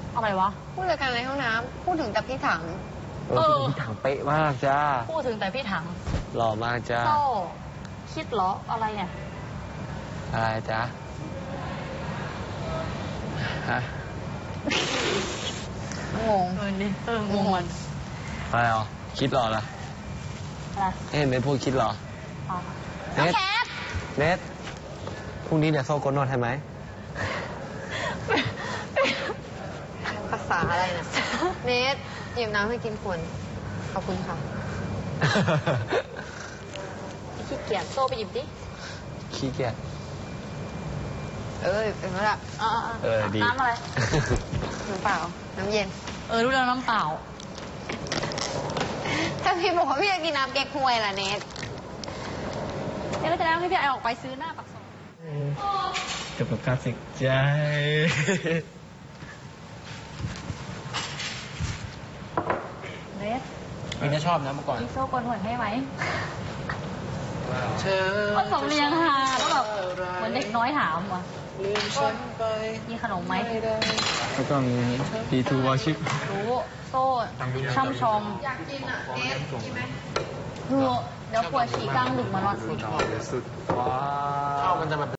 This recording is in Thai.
อะไรวะผู้จัดการในห้องน้ำพูดถึงแต่พี่ถังพี่ถังเป๊ะมากจ้าพูดถึงแต่พี่ถังหล่อมากจ้าโซ่คิดเหรออะไรเนี่ยอะไรจ้าฮะงงงงมันอะไรอ๋อคิดหรอล่ะอะไรเห็นเป็นพวกคิดหรออ๋อเน็ตแคทเน็ตพรุ่งนี้เดี๋ยวโซ่กดนวดให้ไหมภาษาอะไรนะเนทหยิบน้ำให้กินขวดขอบคุณค่ะขี้เกียจโซ่ไปหยิบดิขี้เกียจเป็นเมื่อไหร่ดีน้ำอะไรน้ำเปล่า น้ำเย็นรู้แล้วน้ำเปล่าถ้าพี่บอกว่าพี่จะกินน้ำเก๊กฮวยล่ะเนทเนี่ยก็จะได้ให้พี่ไอออกไปซื้อหน้าปากซอยกับการสิกใจเนสพี่น่าชอบนะเมื่อก่อนมีโซ่กลหัวให้ไหมเธอก็สำเนียงฮาแล้วแบบเหมือนเด็กน้อยถามว่ะมีขนมไหมแล้วก็มีP2 Worship รู้โซ่ช่ำชองอยากกินอ่ะเนทกินไหมเดี๋ยวปวดฉี่กลางดึกมานอนสิสุดว้าวมันจะแบบ